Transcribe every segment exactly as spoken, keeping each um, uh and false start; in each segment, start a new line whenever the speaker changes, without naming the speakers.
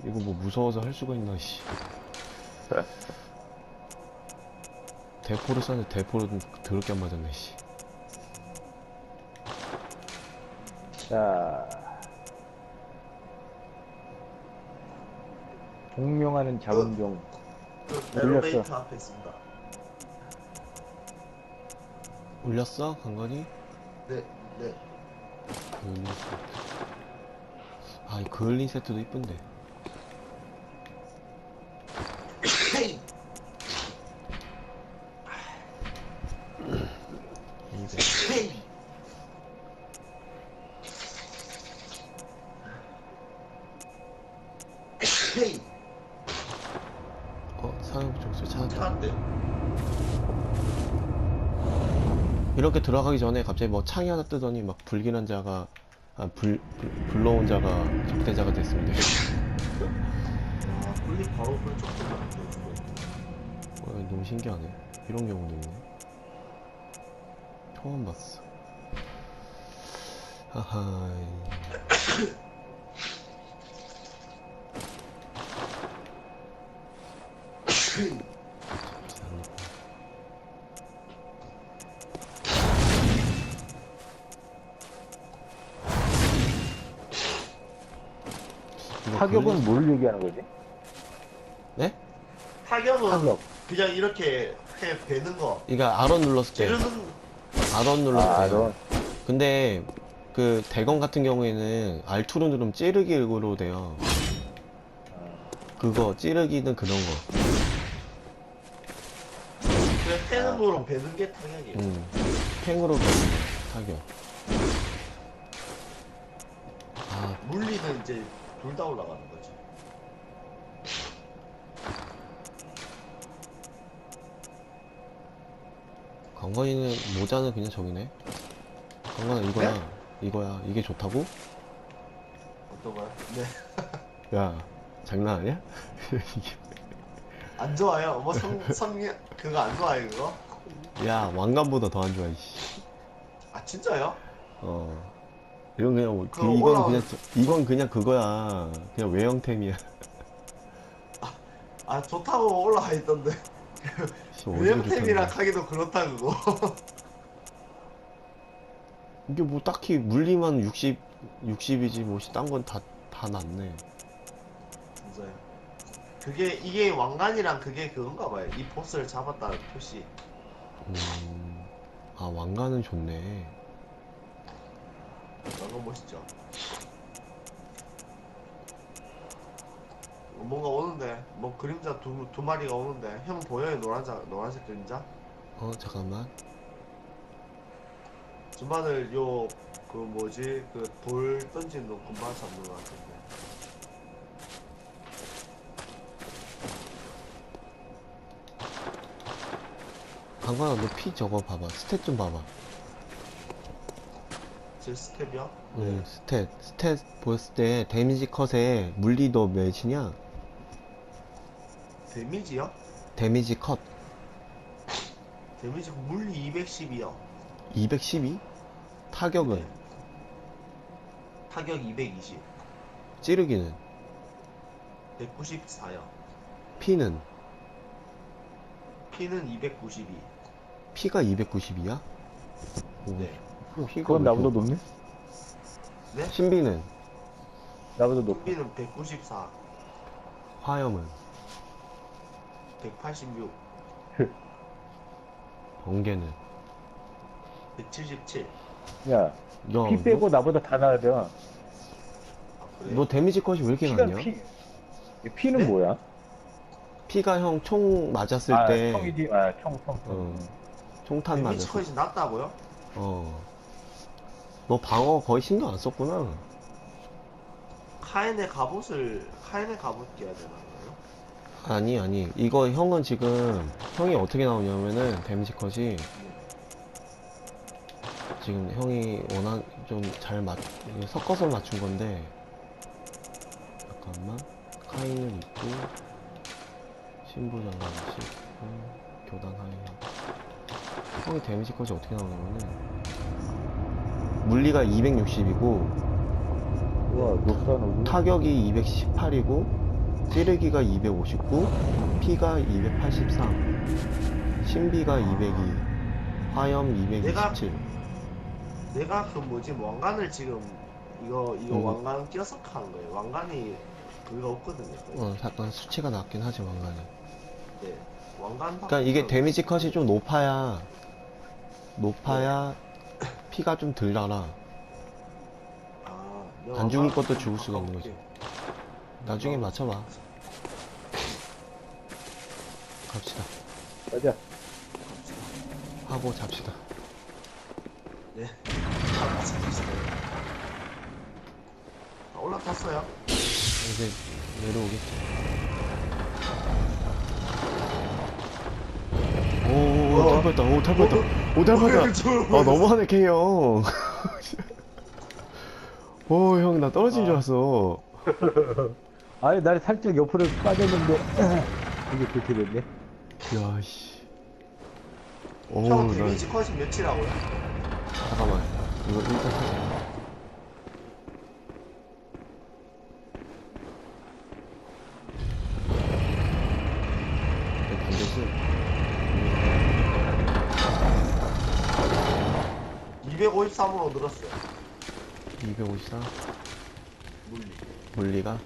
이거 뭐 무서워서 할 수가 있나, 씨. 대포를 쐈는데 대포를 더럽게 안 맞았네, 씨.
자, 공명하는 작은 종.
그
올렸어.
엘리베이터 앞에 있습니다.
올렸어? 강건이?
네, 네.
그을린 세트. 아, 이 그을린 세트도 이쁜데. 이백. 어? 사용 족소 찾았다.
차한대.
이렇게 들어가기 전에 갑자기 뭐 창이 하나 뜨더니 막 불길한 자가, 아, 불, 불, 불러온 자가 적대자가 됐습니다.
아, 불리 바로 그쪽 들어가는
어, 너무 신기하네. 이런 경우도 있네. 처음 봤어. 하하이. 이거
타격은
걸린-
뭘 얘기하는 거지?
네?
타격은
타격.
그냥 이렇게 해 베는 거.
그러니까 알원 눌렀을 때.
찌르는
알원 눌렀을
아,
때.
너.
근데 그 대검 같은 경우에는 알투로 누르면 찌르기로 돼요. 그거 찌르기는 그런 거.
그냥 패는 거로 베는 게 타격이에요.
음. 팽으로 타격. 아,
물리는 이제 둘 다 올라가는 거지.
강건이는 모자는 그냥 저기네. 강건아 이거야.
네?
이거야. 이게 좋다고?
어떤 거요? 네.
야, 장난 아니야? 이게-
안 좋아요. 뭐 성, 성, 그거 안 좋아요, 그거?
야, 왕관보다 더 안 좋아, 이씨.
아, 진짜요?
어. 이건 그냥, 뭐- 그,
그거
이건
올라오는-
그냥, 저- 이건 그냥 그거야. 그냥 외형템이야.
아, 좋다고 올라가 있던데.
씨, 어디가
외형템이랑
좋다는
하기도 그렇다, 그거.
이게 뭐 딱히 물리만 육십, 육십이지, 뭐, 딴 건 다, 다 낫네.
진짜요. 그게, 이게 왕관이랑 그게 그건가 봐요. 이 보스를 잡았다는 표시.
음, 아, 왕관은 좋네.
너무 멋있죠? 뭔가 오는데, 뭐 그림자 두, 두 마리가 오는데, 형 보여요? 노란색, 노란색 그림자?
어, 잠깐만.
주만을 요, 그 뭐지, 그 돌 던지는 거 금방 잡는 것 같은데.
강관아, 너 피 저거 봐봐. 스탯 좀 봐봐.
제 스텝이요?
응, 스탯. 스탯 보였을 때 데미지 컷에 물리 너 몇이냐?
데미지요?
데미지 컷
데미지 물리 이백십이요.
이백십이? 타격은?
네. 타격 이백이십.
찌르기는?
백구십사요.
피는?
피는 이백구십이.
피가 이백구십이야?
네.
피가
그건
왜
나보다
이렇게-
높네?
네?
신비는?
나보다 높아.
눈비는 백구십사.
화염은?
백팔십육.
번개는?
백칠십칠.
야,
야,
피 빼고 나보다 다 나아야 돼.
아,
너,
그래요?
너 데미지 컷이 왜 이렇게
피가
낮냐?
피. 이 피는
네?
뭐야?
피가 형 총 맞았을
아,
때
총이지. 아, 총, 총, 총.
어, 총탄
데미지
맞았을
컷이 낮다고요?
어. 너 방어 거의 신경 안 썼구나.
카엔의 갑옷을 카엔의 갑옷 껴야 되나요?
아니, 아니. 이거 형은 지금, 형이 어떻게 나오냐면은, 데미지 컷이, 지금 형이 원한, 좀 잘 맞, 이게 섞어서 맞춘 건데, 잠깐만. 카인을 입고, 신부장갑을 씹고, 교단 하이. 형이 데미지 컷이 어떻게 나오냐면은, 물리가 이백육십이고,
우와, 녹사 녹이.
타격이 이백십팔이고, 찌르기가 이백오십구, 피가 이백팔십삼, 신비가 이백이, 화염 이백이십칠.
내가 그 뭐지 왕관을 지금 이거 이거
음.
왕관 껴서 한 거예요. 왕관이 그거 없거든요. 거의.
어, 약간 수치가 낮긴 하지, 왕관이.
네. 왕관.
그러니까 이게 데미지 컷이 좀 높아야, 높아야 피가 좀 덜 나라.
아,
안 죽을
왕관
것도 죽을 수가 있는 거지. 나중에 맞춰봐. 갑시다.
가자.
하고 잡시다.
네. 아, 맞습니다. 아, 올라탔어요.
이제 내려오겠지. 오오오,
어.
탈 뻔했다. 오, 탈 뻔했다. 오, 탈 뻔했다. 아, 너무하네, K 형. 오, 형, 나 떨어진 줄 알았어.
아니, 날 살짝 옆으로 빠졌는데, 이게 그렇게 됐네.
야, 씨. 오,
형
나,
데미지 컷이 몇이라고요?
잠깐만. 이거 일단 하자. 내 반대지?
이백오십삼으로 늘었어요.
이백오십사.
물리.
물리가?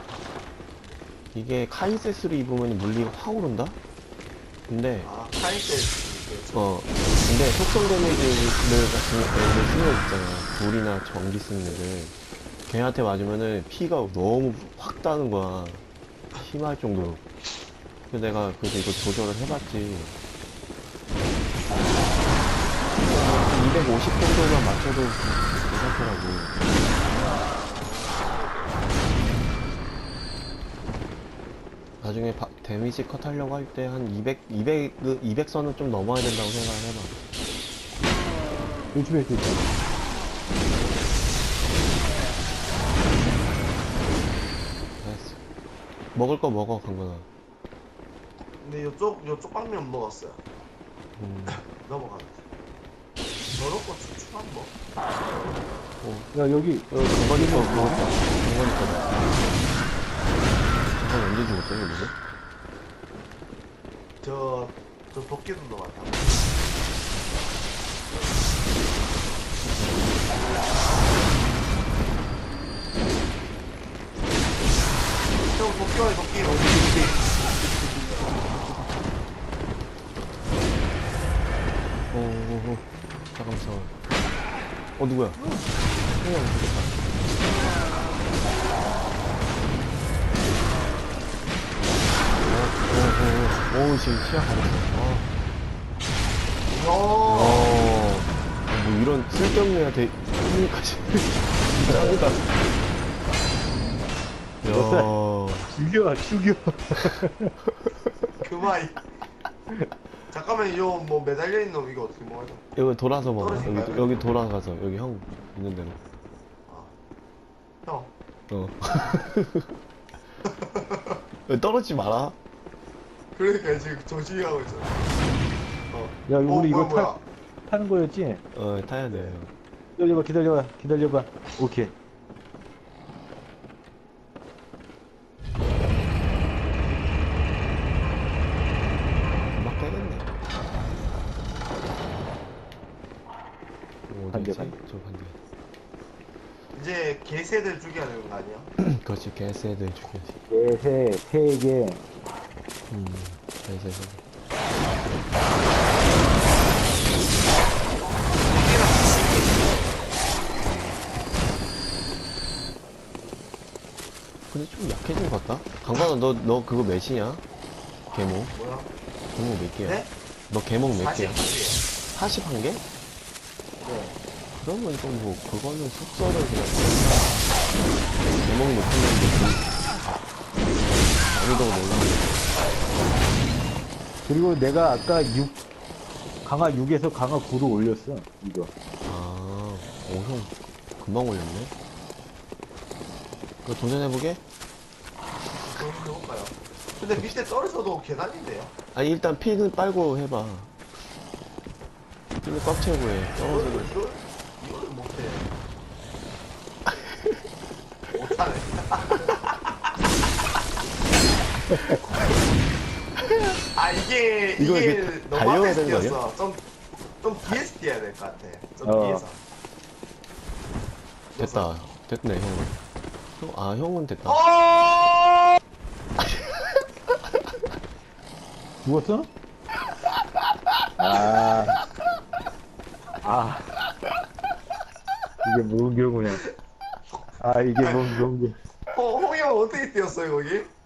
이게 카이세스로 입으면 물리가 확 오른다? 근데,
아, 카이센스.
어, 근데 속성 데미지를 같은 애들 쓰는 애 있잖아. 불이나 전기 쓰는 애들. 걔한테 맞으면은 피가 너무 확 따는 거야. 심할 정도로. 그래서 내가 그래서 이거 조절을 해봤지. 이백오십 정도만 맞춰도 괜찮더라고. 나중에 바- 데미지 컷 하려고 할 때 한 이백, 이백, 이백 선은 좀 넘어야 된다고 생각을 해봐.
요즘에 또 있잖아.
알았어. 먹을 거 먹어, 강건아.
근데 요쪽, 요쪽 방면 먹었어요.
음,
넘어가면. 저렇고 추출한 뭐?
야, 여기,
어, 강건이 거 먹었다. 강건이 거다. 강건이 언제 죽었대, 여기서?
저, 저 도끼도 넣었다. 형, 도끼와 도끼 어디
오, 오, 오. 잠깐만, 잠깐만. 어, 누구야? 형이랑 죽겠다. 오, 오, 오, 오, 지금 시야 가렸어. 아.
어,
어, 뭐 이런 쓸데없는 애한테 힘까지. 짱이다. 야,
죽여, 죽여.
그만. 잠깐만, 요 뭐 매달려 있는 놈 이거 어떻게 먹어야 돼?
이거 돌아서 먹어. 여기,
떨어질까요?
여기 돌아가서, 여기 형 있는 대로.
형,
어. 떨어지지 마라.
그러니까 지금 조심히 하고 있어. 어.
야,
어,
우리 이거
뭐야,
타,
뭐야.
타는 거였지?
어, 타야 돼.
기다려봐, 기다려봐, 기다려봐. 오케이.
금방 깨겠네. 오,
반대,
어디지?
반대.
저 반대.
이제 개새들 죽여야 되는 거 아니야?
그렇지, 개새들 죽여야지.
네, 세, 세 개.
음, 개새들. 근데 좀 약해진 것 같다? 강관아, 너, 너 그거 몇이냐? 개목?
뭐야?
개목 몇 개야?
네?
너 개목 몇 개야?
사십 개.
사십일 개?
네.
그러면 좀 뭐, 그거는 속설을 그냥. 개목이 높은 놈들 난이도가 올라가는
그리고 내가 아까 육, 강화 육에서 강화 구로 올렸어, 이거.
아, 오, 형, 금방 올렸네? 그거 도전해보게?
그럼 해볼까요? 근데 밑에 떨어져도 계단인데요?
아니, 일단 피는 빨고 해봐. 피는 꽉 채우고 해.
이걸,
떨어지면.
이걸, 이걸 못해. 못하네. 아 이게
이거
이게
이게
너무
달려야
앞에서
되는 거 아니야?
뛰었어. 좀, 좀 뒤에서 뛰어야 될 것 같아. 좀
어.
뒤에서.
됐다. 됐네, 형은. 형, 아, 형은 됐다.
어!
죽었어? 아. 아. 이게 뭔 경우냐. 아, 이게 뭔 경우.
어, 홍이 형 어떻게 뛰었어요 거기?